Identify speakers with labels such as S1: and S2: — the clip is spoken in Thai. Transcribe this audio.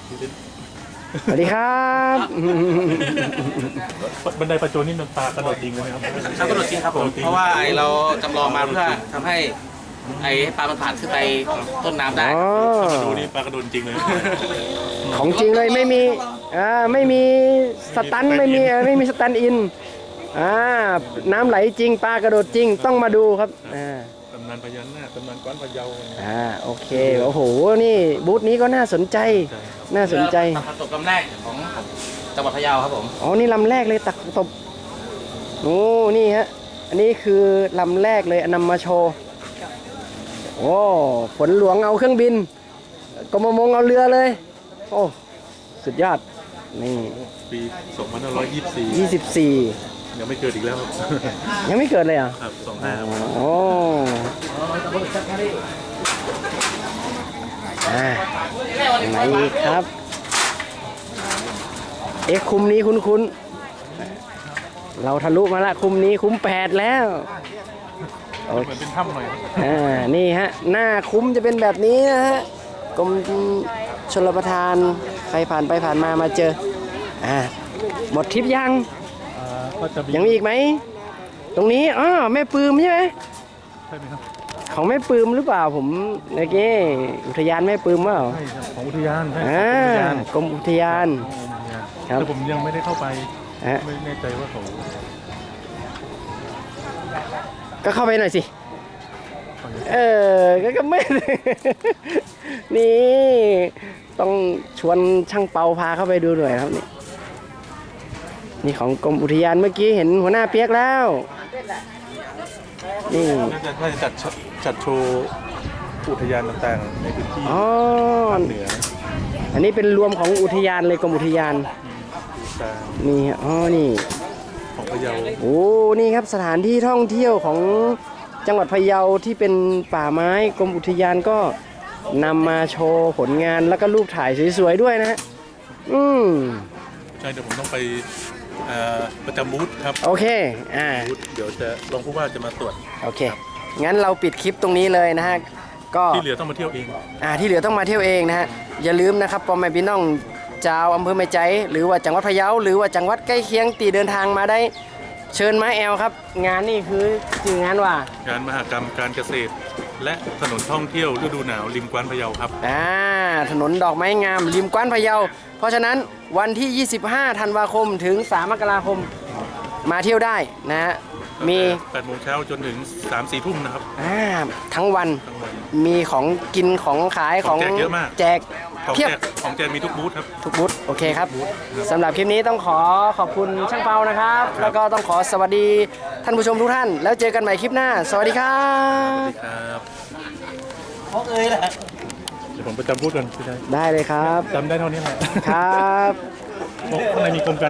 S1: สวัสดีครับ
S2: บันไดประโจนนี่มันปลากระโดดจริงไหมครับ
S3: กระโดดจริงครับผมเพราะว่าเราจำลองมาเพื่อทำให้ปลามันผ่านขึ้นไปต้นน้ำได้
S2: มาดูนี่ปลากระโดดจริงเลย
S1: ของจริงเลยไม่มีสตันไม่มีสตันอินน้ำไหลจริงปลากระโดดจริงต้องมาดูครับ
S2: ตำนานพญานาคตำนานกว้านพะเยา
S1: โอเคโอ้โหนี่บูธนี้ก็น่าสนใจ
S3: ตักตบลำแรกของจังหวัดพะเยาครับผม
S1: อ๋อนี่ลำแรกเลยตักตบโอ้นี่ฮะอันนี้คือลำแรกเลยนำมาโชว์โอ้ฝนหลวงเอาเครื่องบินกรมมงเอาเรือเลยโอ้สุดยอดนี่
S2: ปี2524ยังไม่เกิดอีกแล้ว
S1: ยังไม่เกิดเลยอ่ะ
S2: ครับ25
S1: โอ้ไหนอีกครับคุมนี้คุ้นเราทะลุมาละคุมนี้คุ้ม8แล้ว
S2: เหมือนเป็นถ้ำหน่อย
S1: นี่ฮะหน้าคุ้มจะเป็นแบบนี้นะฮะกรมชลประทานใครผ่านไปผ่านมาเจอหมดทริปยังมีอีกไหมตรงนี้แม่ปืมใช่ไหม
S2: ใช่ไหมครับ
S1: ของแม่ปืมหรือเปล่าผมเมื่อกี้อุทยานแม่ปืมว่า
S2: ใช่ครับของอุทยาน
S1: กรมอุทยาน
S2: ครับแต่ผมยังไม่ได้เข้าไปไม่แน่ใจว่าเขา
S1: ก็เข้าไปหน่อยสิก็ไม่นี่ต้องชวนช่างเปาพาเข้าไปดูหน่อยครับนี่ของกรมอุทยานเมื่อกี้เห็นหัวหน้าเปียกแล้วนี่
S2: น่าจะจัดโชว์อุทยานต่างๆในพื้นที่ภาคเหนือ
S1: อันนี้เป็นรวมของอุทยานเลยกรมอุทยานนี่นี่
S2: ของพะเยา
S1: โอ้นี่ครับสถานที่ท่องเที่ยวของจังหวัดพะเยาที่เป็นป่าไม้กรมอุทยานก็นำมาโชว์ผลงานแล้วก็รูปถ่ายสวยๆด้วยนะฮะ
S2: ใช่เดี๋ยวผมต้องไปประจำบูธครับ
S1: โอเค
S2: บูธเดี๋ยวจะลองผู้ว่าจะมาตรวจ
S1: โอเคงั้นเราปิดคลิปตรงนี้เลยนะฮะก็
S2: ที่เหลือต้องมาเที่ยวเอง
S1: ที่เหลือต้องมาเที่ยวเองนะฮะอย่าลืมนะครับพ่อแม่พี่น้องชาวอำเภอแม่ใจหรือว่าจังหวัดพะเยาหรือว่าจังหวัดใกล้เคียงตีเดินทางมาได้เชิญมาครับงานนี่คือจริงงานว่
S2: างานมหกรรมการเกษตรและถนนท่องเที่ยวฤดูหนาวริมกว้านพะเยาครับ
S1: ถนนดอกไม้งามริมกว้านพะเยาเพราะฉะนั้นวันที่25ธันวาคมถึง3มกราคมมาเที่ยวได้นะฮะมี
S2: 8 โมงเช้าจนถึง3-4 ทุ่มนะครับ
S1: ทั้งวันมีของกินของขายของ
S2: แจกเยอะมาก
S1: แจกเพียบ
S2: ของแจกมีทุกบูธครับ
S1: ทุกบูธโอเคครับสำหรับคลิปนี้ต้องขอบคุณช่างเปานะครับแล้วก็ต้องขอสวัสดีท่านผู้ชมทุกท่านแล้วเจอกันใหม่คลิปหน้าสวัสดีครับ
S2: สวัสดีครับ
S3: ของแหละ
S2: เดี๋ยวผมไปจำบูธกัน
S1: ได้เลยครับ
S2: จำได้เท่านี้แหละ
S1: ครับ
S2: ข้างในมีกรมการ